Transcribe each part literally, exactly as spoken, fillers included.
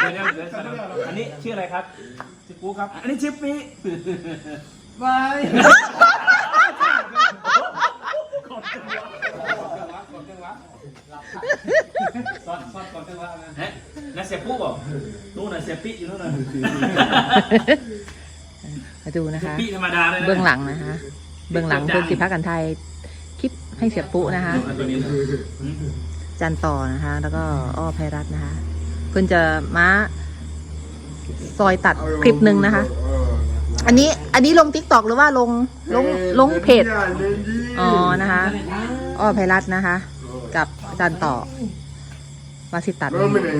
เดี๋ยวเดี๋ยวอันนี้ชื่ออะไรครับชื่อปูครับอันนี้ชื่อปีบายก่อนจังหวะก่อนจังหวะซ้อนซ้อนก่อนจังหวะนะเฮ้ยนั่นเสียปูบอกนู่นน่ะเสียปีอยู่นู่นน่ะมาดูนะคะปีธรรมดาเลยนะเบื้องหลังนะคะเบื้องหลังเพื่อนสิพักกันไทยคลิปให้เสียปุ๊นะคะจันต่อนะคะ แล้วก็อ้อไพรัตน์นะคะ เพื่อนจะมาซอยตัดคลิปหนึ่งนะคะ อันนี้อันนี้ลงทิกตอกหรือว่าลงลงลงเพจอ๋อนะคะอ้อไพรัตน์นะคะ กับจันต่อมาสิตัดไอ้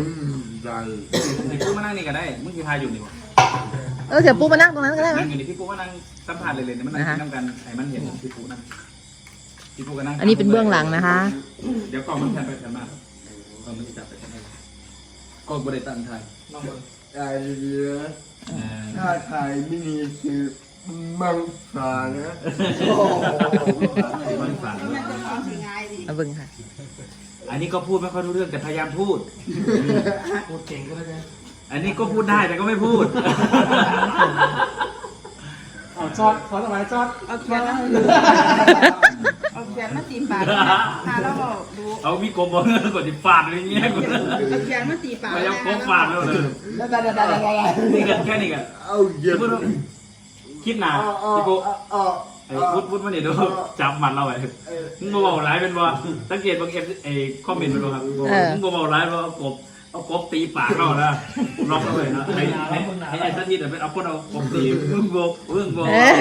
ปูมานั่งนี่ก็ได้มึงคือทายอยู่นี่วะเออเสียปุ๊มานั่งตรงนั้นก็ได้ไหมนั่งอยู่นี่พี่ปูมานั่งสัมผัสเลยเลยมันนั่งนั่งกันไอ้มันเห็นพี่ปูนั่งพี่ปูก็นั่งอันนี้เป็นเบื้องหลังนะคะเดี๋ยวกล้องมันแทนไปแทนมากกล้องมันจะจับไปแทนได้กล้องบริษัทไทยน้องบนไอ้เรือถ้าไทยไม่มีคือมังสานะมันฝันมาเบิ่งค่ะอันนี้ก็พูดไม่ค่อยรู้เรื่องแต่พยายามพูดพูดเก่งก็ได้อันนี้ก็พูดได้แต่ก็ไม่พูดเอาจอดขอสบายจอดเอาเขียนมาเอาเขียนมาตีปากหาแล้วดูเอามีกลมบอลกดติดฟาดอะไรเงี้ยเอาเขียนมาตีปากพยายามโค้งฟาดแล้วเลยนี่กันแค่นี้กันเอาเยอะคิดหนาพี่โก้ไอ้พุทธพุทธมันเนี่ยดูจับมันเราไอ้มึงมาบอกร้ายเป็นว่าสังเกตบางเอฟไอ้คอมเมนต์มันดูครับมึงมาบอกร้ายว่าเอากบเอากบตีปากเรานะล็อกเลยนะไอ้ไอ้ไอ้สักทีแต่เป็นเอาคนเอากบตีมึงโบมึงโบ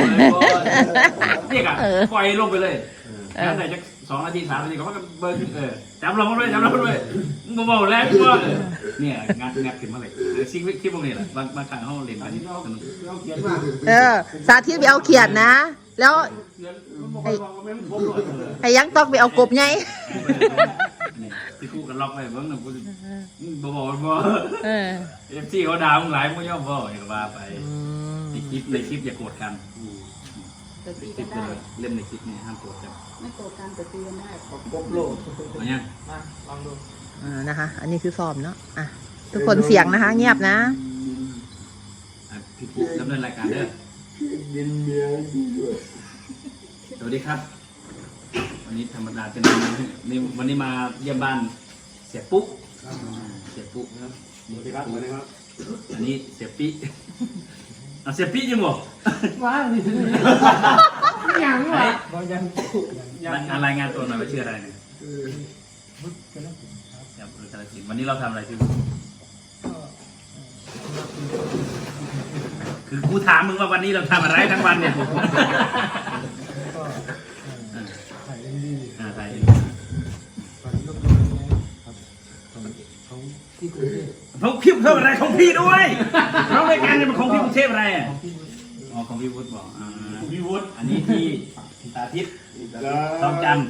เนี่ยกันปล่อยลงไปเลยแล้วไหนจะสองนาทีสามนาทีก็ว่าเบอร์ขึ้นเออจำเราด้วยจำเราด้วยมึงมาบอกแล้วว่าเนี่ยงานงานขึ้นมาเลยซิคลิปพวกนี้แหละบางบางครั้งเขาเล่นกันเออสาธิตไปเอาเขียดนะแล้วไอ้ไอ้ยังต้องไปเอากบไงที่คู่กันล็อกไปเบิ้งหนึ่งกูบอกบอกบอกเออเอฟซีเขาด่ามึงหลายมึงย่อมบอกอย่างว่าไปในคลิปในคลิปอย่าโกรธกันเล่นในคลิปนี่ห้ามโกรธกันไม่โกรธกันแต่ตีกันได้กบโลดมาเนี่ยลองดูอ่านะคะอันนี้คือซ้อมเนาะอ่ะทุกคนเสียงนะคะเงียบนะพี่ปุ๊ดำเนินรายการเด้อสวัสดีครับวันนี้ธรรมดาเป็นนี่วันนี้มาเยี่ยมบ้านเสียปุ๊เสียปุ๊ครับสวัสดีครับสวัสดีครับอันนี้เสียปี้อ่ะเสียปี้ยังบอกว้าวนี่ยังวะยังรายงานตัวหน่อยว่าชื่ออะไรเนี่ยวันนี้เราทำอะไรที่คือกูถามมึงว่าวันนี้เราทำอะไรทั้งวันเนี่ยอ่าถ่ายเขาคลิปเพิ่มอะไรของพี่ด้วยเรารายการเนี่ยมันของพี่กรุงเทพอะไรอ่ะอ๋อของพี่วุฒิบอกอ่าพี่วุฒิอันนี้ที่สาธิตทองจันทร์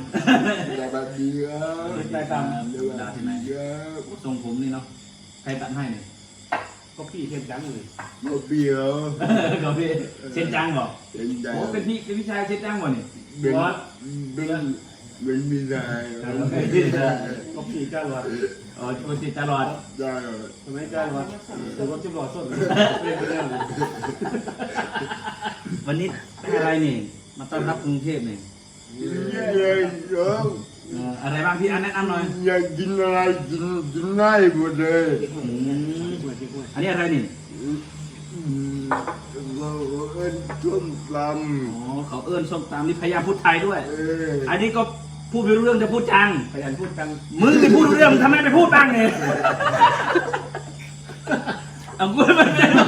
ได้ตามดาที่ไหนทรงผมนี่เนาะใครตัดให้เนี่ยก็พี่เชนจังเลยก็เบี้ยวก็พี่เชนจังบอกโอ้เป็นพี่เป็นพี่ชายเชนจังบ่เนี่ยบอสเป็นเป็นมีนายก็พี่จ้ารอดอ๋อคนติดจ้ารอดจ้าทำไมจ้ารอดตัวรถจิ้มหลอดสดวันนี้อะไรนี่มาต้อนรับกรุงเทพเนี่ยเยอะอะไรบ้างพี่อันแนะนำหน่อยอยากกินอะไรกินกินง่ายหมดเลยอันนี้อะไรนี่เราเอิ้นส้มตำอ๋อเขาเอิ้นส้มตำนี่พยายามพูดไทยด้วยอันนี้ก็พูดไม่รู้เรื่องจะพูดจังพยายามพูดจังมึงไม่พูดเรื่องทำไมไปพูดบ้างเนี่ยเอาพูดไป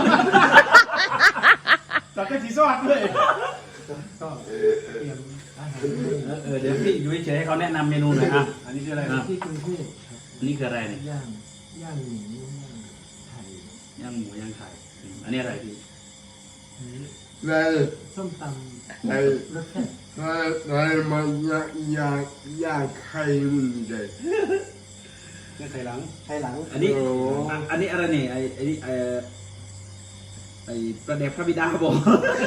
ตัดกระสีซอดด้วยเออเดี๋ยวพี่อยู่เฉยให้เขาแนะนำเมนูหน่อยครับอันนี้คืออะไรที่กรุงเทพอันนี้คืออะไรเนี่ยย่างย่างหมูย่างไข่ย่างหมูย่างไข่อันนี้อะไรพี่ในส้มตำในรสแซ่บในในมันย่างย่างย่างไข่มันเลยไข่หลังไข่หลังอันนี้อันนี้อะไรนี่ไอไอนี่ไอไอประเด็บพระบิดาบอก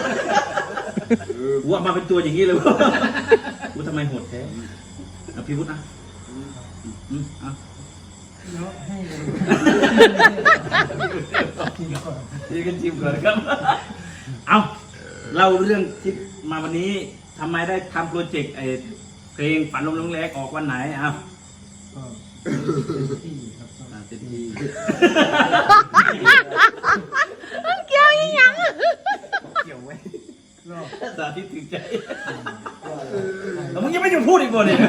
ว่ามาเป็นตัวอย่างนี้เลยวะกูทำไมโหดแท้เอาพี่วุฒินะอืมอ่ะแล้วให้เลยนี่กันชิมก่อนครับ เอาเล่าเรื่องที่มาวันนี้ทำไมได้ทำโปรเจกต์ไอเพลงฝันลมลงแรงออกวันไหนอ่ะก็เป็นที่ครับก็อ่าเต็มที่เกี่ยวยังยังเกี่ยวไว้รอบสาธิตถึงใจแล้วมึงยังไม่หยุดพูดอีกบ่เนี่ย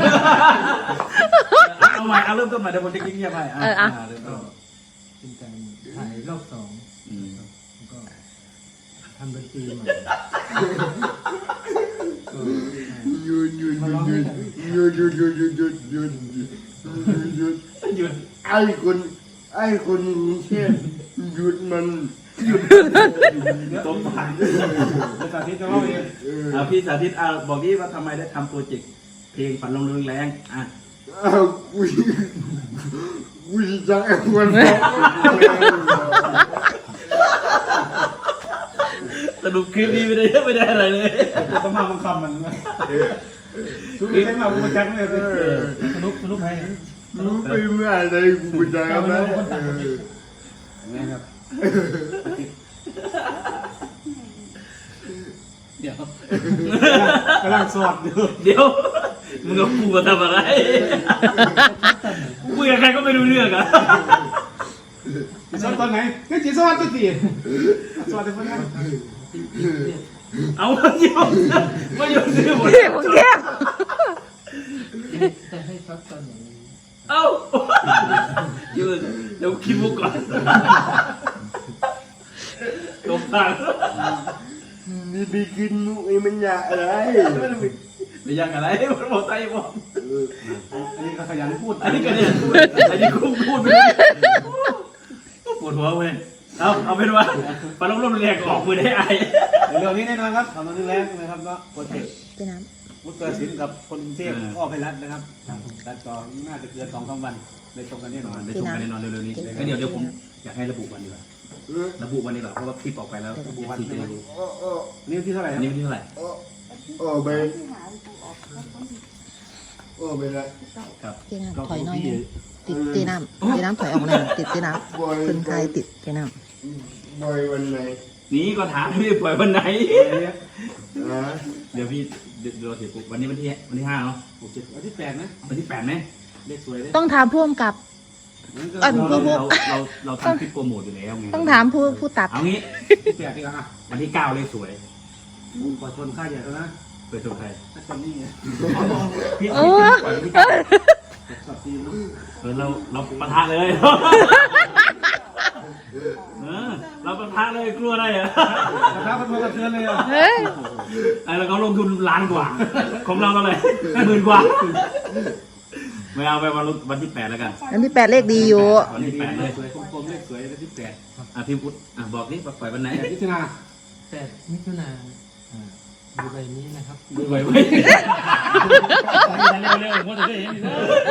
เอาใหม่เอาเริ่มต้นใหม่เดี๋ยวผมจะกินเงียบให้อ่ะเริ่มต้นเป็นการถ่ายรอบสองอืมแล้วก็ทำดนตรีใหม่หยุดหยุดหยุดหยุดหยุดหยุดหยุดหยุดหยุดหยุดหยุดหยุดไอ้คนไอ้คนกรุงเทพหยุดมันสมผันสาธิตจะเล่าเองเอออ่ะพี่สาธิตอ่ะบอกดิว่าทำไมได้ทำโปรเจกต์เพลงฝันลมแรงอ่ะอ้าวกูกูจะไอ้คนสรุปคลิปนี้ไม่ได้ไม่ได้อะไรเลยต้องมาบังคับมันชุดนี้ให้มาบูจักเลยสนุกสนุกให้รู้ไปเมื่อไรกูจะทำไมไงครับเดี๋ยวกำลังสอดอยู่เดี๋ยวมึงกับกูมาทำอะไรกูคุยกับใครก็ไม่รู้เรื่องอ่ะจีสอดตอนไหนนี่จีสอดตัวตีสอดในคนนั้นเอามาโยนมาโยนซื้อหมดพี่ผมเก็บแต่ให้ซักตอนไหนเอ้ายืนเดี๋ยวคิดมุกก่อนตบทางนี่ไปกินมุกไอ้มันอยากอะไรไม่ยังอะไรมันบอกไทยบอกอันนี้ก็ขยันพูดอันนี้ก็เนี่ยพูดอันนี้กูพูดไปเลยปวดหัวเว้ยเอาเอาเป็นว่าปลาล้มล้มแรงออกมือได้ไอเรื่องนี้แน่นอนครับทำมาเรื่องแรกนะครับก็โปรเจกต์พี่น้มุตเตอร์สินกับคนกรุงเทพอ้อไพรัตนะครับตัดต่อน่าจะเกินสองสามวันเลยตรงกันแน่นอนได้ชมกันแน่นอนเร็วๆนี้งั้นเดี๋ยวเดี๋ยวผมอยากให้ระบุวันดีกว่าระบุวันดีกว่าเพราะว่าคลิปออกไปแล้วระบุวันที่จะรู้โอ้โอ้นี่ที่เท่าไหร่อันนี้วันที่เท่าไหร่โอ้โอ้ไปที่หากูออกแล้วก็โอ้ไปละครับำพี่น้ำถอยหน่อยหนึ่งติดตีน้ำตีน้ำถอยออกหน่อยติดตีน้ำคนไทยติดตีน้บอยวันไหนนี่ก็ถามพี่ปล่อยวันไหนอ่าเดี๋ยวพี่เดี๋ยวเราเสียปุ๊บวันนี้วันที่วันที่ห้าเนาะวันที่แปดนะวันที่แปดไหมเลขสวยเลยำต้องถามผู้กำกับ เอ้ยเราเราเราเราทำคลิปโปรโมทอยู่แล้วไงต้องถามผู้ผู้ตัดเอางี้ที่แปดดีกว่าอ่ะวันที่เก้าเลยสวยขอชนค่าใหญ่แล้วนะเปิดตัวใครถ้าชนนี่ไงพี่โอ้ปล่อยวันที่เก้าสับทีมเออเราเราปะทะเลยเออเราปะทะเลยกลัวอะไรอ่ะนะครับมันมาเทือนเลยอ่ะเฮ้ยไอ้เราเขาลงทุนล้านกว่า ของเราเท่าไหร่หมื่นกว่าไม่เอาไปวันวันที่แปดแล้วกันอันที่แปดเลขดีอยู่วันที่แปดเลยสวยกลมๆเลขสวยเลขที่แปดอ่ะพี่พุทธอ่ะบอกนี่ปล่อยวันไหนแปดมิถุนาแปดมิถุนาอ่าดูใบนี้นะครับดูไว้ไว้เร็วๆผมจะได้เห็น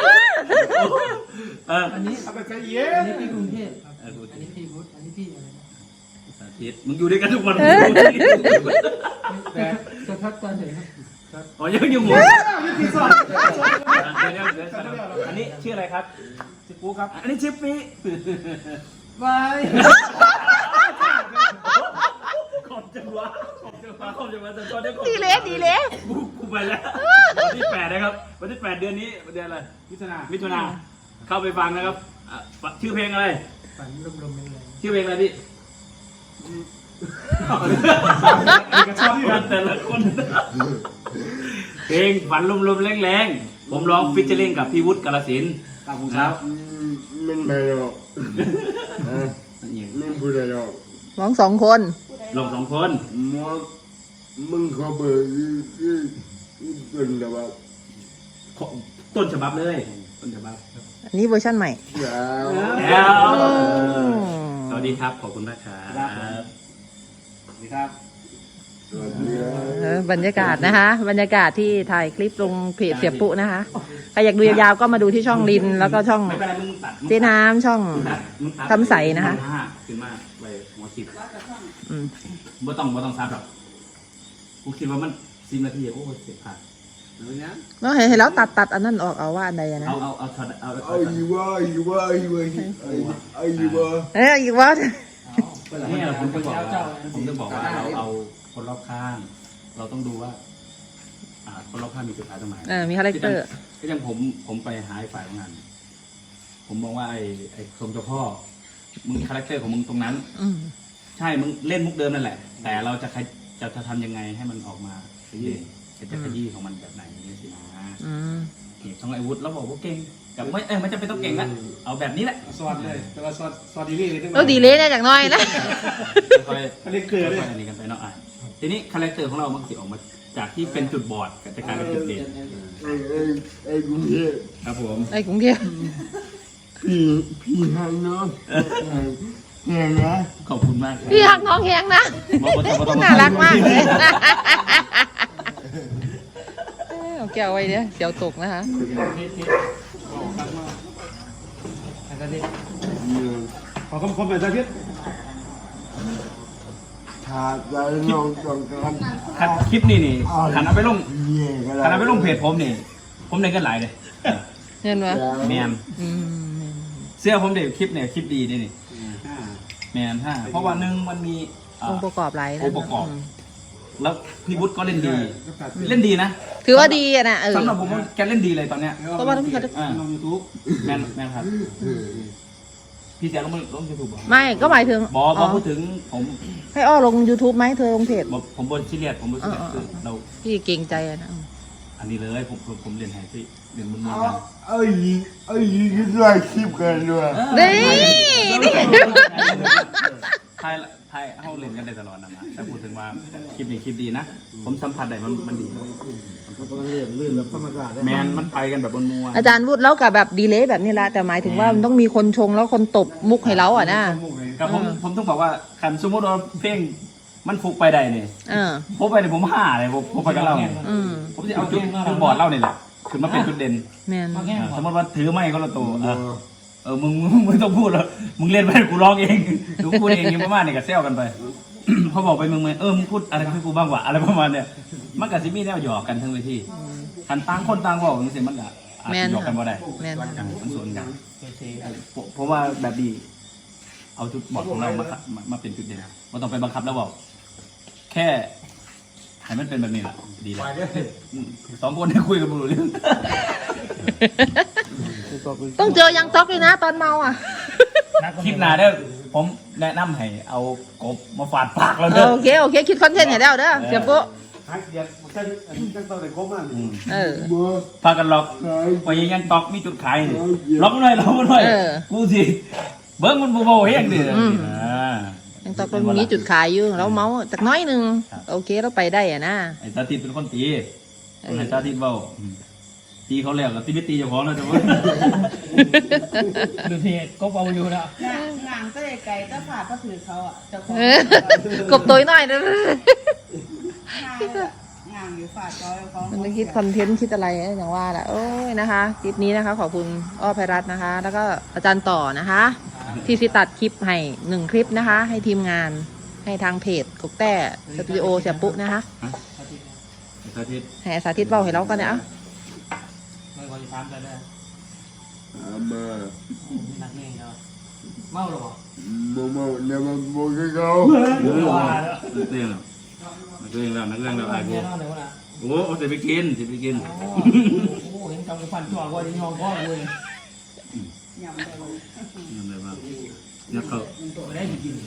เอออันนี้เอาไปใส่เย็อันนนี้พี่กรุงเทพครับอันนี้พี่พุทธอันนี้พี่อะไรนะสาธิตมึงอยู่ด้วยกันทุกวันแต่จะทักตอนไหนครับครับอ๋อยังอยู่หมดที่สองอันนี้ชื่ออะไรครับสิบปูครับอันนี้ชื่อปีบายขอบจังวะขอบจังวะขอบจังวะแต่ตอนนี้ดีเลยดีเลยกูกูไปแล้ววันที่แปดนะครับวันที่แปดเดือนนี้เดือนอะไรมิถุนามิถุนาเข้าไปฟังนะครับอ่ะชื่อเพลงอะไรฝันลมๆแรงชื่อเพลงอะไรพี่กระชอบที่มันแต่ละคนเพลงฝันลมๆแรงๆผมร้องฟิชเชอร์ลิงกับพี่วุฒิกาลสินธุ์ตามผมเช้าอืมมันไม่หรอกอ่าไม่พูดอะไรหรอกน้องสองคนลงสองคนมอมึงขอเบอร์คือคือต้นแต่ว่าต้นฉบับเลยต้นฉบับอันนี้เวอร์ชั่นใหม่ยาวแล้วอืมสวัสดีครับขอบคุณมากครับสวัสดีครับสวัสดีครับเออบรรยากาศนะคะ บรรยากาศที่ถ่ายคลิปลงเพจเสียปุ๊นะคะใครอยากดูยาวๆก็มาดูที่ช่องลิน แล้วก็ช่องไม่เป็นไรมึงตัดเจ๊น้ำช่องมึงตัดทำใสนะคะห้าขึ้นมาไปหัวสิบอืมบ่ต้องบ่ต้องซับหรอกกูคิดว่ามันสิบนาทีโอ้ยเสร็จผ่านดูนะเราให้ให้เราตัดตัดอันนั้นออกเอาว่าอันใดอะนะเอาเอาเอาช็อตเอาเอาเอาอยู่ว่าอยู่ว่าอยู่ว่าเอาอยู่ว่าเอ้ยอีกว่าเนี่ยผมจะบอกว่าผมจะบอกว่าเราเอาคนรอบข้าง เราต้องดูว่า อ่า คนรอบข้างมีจุดขายตรงไหนเออมีคาแรคเตอร์ก็ยังผมผมไปหาไอ้ฝ่ายงาน ผมมองว่าไอ้ไอ้ทรงเจ้าพ่อมึงคาแรคเตอร์ของมึงตรงนั้นอืมใช่มึงเล่นมุกเดิมนั่นแหละ แต่เราจะจะจะทำยังไงให้มันออกมาเด่นจะขยี้ของมันแบบไหนนี่สินะอืมนี่ช่องไอวุฒิเราบอกว่าเก่งแต่ไม่เออไม่จำเป็นต้องเก่งละเอาแบบนี้แหละสวัสดเลยแต่ว่าสวัสดสวัสดีนี่เลยเราดีเลยเนี่ยจากน้อยนะค่อยเขาเรียกเกลือๆเลยค่อยๆอันนี้กันไปเนาะอ่ะทีนี้คาแรคเตอร์ของเรามันสิออกมาจากที่เป็นจุดบอดก็จะกลายเป็นจุดเด่นไอ้ไอ้ไอ้กรุงเทพครับผมไอ้กรุงเทพพี่พี่ฮันน้องแข่งนะขอบคุณมากครับพี่ฮักน้องแหงนะบอกว่าต้องน่ารักมากเลยเอ้ยเอาแก้วไว้เนี่ยเสียวตกนะคะขอคำคมหน่อยจ้าพี่ขาดใจน้องต้องการคันคลิปนี่นี่ขันเอาไปลงเย่ก็ขันได้เอาไปลงเพจผมนี่ ผมได้กันหลายเลยเห็นไหมแมนอืมเสื้อผมเด็กคลิปเนี่ยคลิปดีนี่นี่แมนห้าเพราะว่าหนึ่งมันมีอ่าองค์ประกอบหลายนะองค์ประกอบมแล้วพี่วุฒิก็เล่นดี เล่นดีนะถือว่าดีอะนะเออสำหรับผมว่าแกเล่นดีเลยตอนเนี้ยเพราะว่าต้องมีการอ่าลงยูทูบแมนแมนครับ พี่แจ๊คลงลงยูทูบบอกไม่ก็หมายถึงบออ๋บออพูดถึงผมให้อ้อลง YouTube ไหมเธอลงเพจบอกผมบนซีเรียสผมบนซีเรียสอ่าคือเราพี่เก่งใจอะนะอันนี้เลยผมผมผมเรียนไฮซี่เรียนมุนมุนเอากันไอ้ยีไอ้ยีก็ได้คลิปกันด้วยนี่นี่ไทยไทยเข้าเรียนกันได้ตลอดนะนะแต่พูดถึงว่าคลิปนี้คลิปดีนะ ผมสัมผัสได้มันมันดี แมนมันไปกันแบบบนมัวอาจารย์พูดแล้วกับแบบดีเลยแบบนี้ละแต่หมายถึงว่ามันต้องมีคนชงแล้วคนตบมุกให้เราอ่ะนะกับผมผมต้องบอกว่าขันสมมติว่าเพลงมันฟุกไปได้เนี่ยเออผมไปเนี่ยผมห่าเลยผมผมไปกับเราเนี่ยอืมผมจะเอาจุดจุดบอดเล่าเนี่ยแหละคือมาเป็นจุดเด่นแมนอ่าสมมติว่าถือไม้ก็ละตัวเออเออมึงมึงไม่ต้องพูดแล้วมึงเล่นไปกูร้องเองกูพูดเองอย่างประมาณเนี่ยก็เซลกันไป เขาบอกไปมึงไหมเออมึงพูดอะไรให้กูบ้างวะอะไรประมาณเนี่ยมันกับซิมี่แนวหยอกกันทั้งเวทีขันต่างคนต่างบอกอย่างนี้สิมันก็อาจจะหยอกกันบ่ได้แมนอย่างมันส่วนกันผมเพราะว่าแบบดี เอาจุดบอดของเรามามามาเป็นจุดเด่นไม่ต้องไปบังคับแล้วบอก แค่ให้มันเป็นแบบนี้แหละดีแล้วอืมสองคนได้คุยกันบรู้เรื่องต้องเจอยังต๊อกเลยนะตอนเมาอ่ะคลิปหน้าเด้อผมแนะนำให้เอากบมาฝาดปากเราเอเด้ออโอเคโอเคคิดคอนเทนต์ให้แล้วเด้อเสียปุ๊หายเดียดมันจะจะต้องได้ครบมากอืมเออบัวพากันล็อกขายไปยังตอกมีจุดขายนี่ล็อกมันหน่อยล็อกมันหน่อยเออกูสิเบิ้งมันบูโบเฮงดิอืมอ่ายังต๊อกเรามีจุดขายอยู่เราเมาจากน้อยหนึ่งครับโอเคเราไปได้อ่ะนะไอ้ตาติดเป็นคนตีเออไอ้ตาติดเบาอืมตีเขาแล้วก็ตีไม่ตีเจ้าของแล้วแต่ว่าดูเพจก็เอาอยู่แล้วงานงานก็ไกลๆก็ผ่าก็ถือเขาอ่ะเจ้าของเออกบตัวน้อยนะงานงานอยู่ฝ่าจอยเขามันคิดคอนเทนต์คิดอะไรอย่างว่าแหละโอ้ยนะคะคลิปนี้นะคะ ขอบคุณอ้อไพรัตน์นะคะ แล้วก็อาจารย์ต่อนะคะ ที่สิตัดคลิปให้หนึ่งคลิปนะคะ ให้ทีมงานให้ทางเพจกกแต้สตูดิโอเสียปุ๊นะคะไอ้ตาติดให้สาธิตเบาให้เรากันเนี่ยอ่ะไม่ควรจะทำกันได้เอามามีนักเองเนาะเมาหรอโมโมเนี่ยมันโมกับเขานักเรียนแล้วนักเรียนแล้วนักเรียนแล้วไอ้แน่กูนอนเลยวะนะโอ้โหจะไปกินจะไปกินโอ้โหเห็นกำกับฟันจ่อว่าจะยอมพ่อเลยยำได้เลยยังไงบ้างเนี่ยเขาไม่ได้จริง